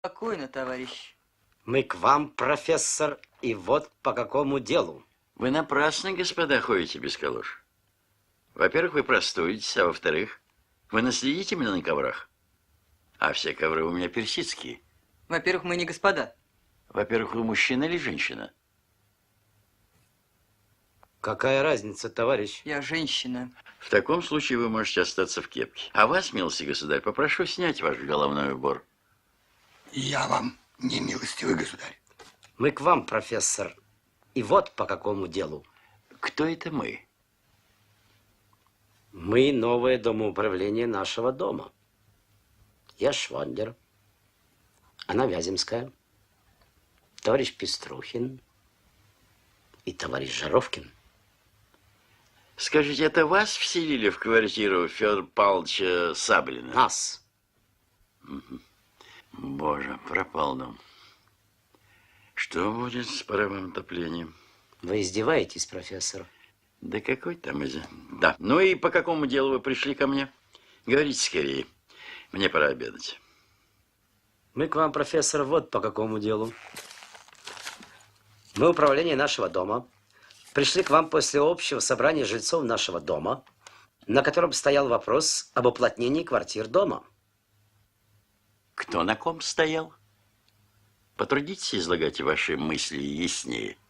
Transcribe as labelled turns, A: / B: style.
A: Спокойно, товарищ.
B: Мы к вам, профессор, и вот по какому делу.
C: Вы напрасно, господа, ходите без калош. Во-первых, вы простудитесь, а во-вторых, вы наследите меня на коврах. А все ковры у меня персидские.
A: Во-первых, мы не господа.
C: Во-первых, вы мужчина или женщина?
B: Какая разница, товарищ?
A: Я женщина.
C: В таком случае вы можете остаться в кепке. А вас, милостивый государь, попрошу снять ваш головной убор.
D: Я вам не милостивый государь.
B: Мы к вам, профессор, и вот по какому делу.
C: Кто это мы?
B: Мы новое домоуправление нашего дома. Я Швондер, она Вяземская, товарищ Пеструхин и товарищ Жаровкин.
C: Скажите, это вас вселили в квартиру Федора Павловича Саблина?
B: Нас.
C: Боже, пропал дом. Что будет с паровым отоплением?
B: Вы издеваетесь, профессор?
C: Да какой там из... Да, ну и по какому делу вы пришли ко мне? Говорите скорее. Мне пора обедать.
B: Мы к вам, профессор, вот по какому делу. Мы управление нашего дома. Пришли к вам после общего собрания жильцов нашего дома, на котором стоял вопрос об уплотнении квартир дома.
C: Кто на ком стоял? Потрудитесь излагать ваши мысли яснее.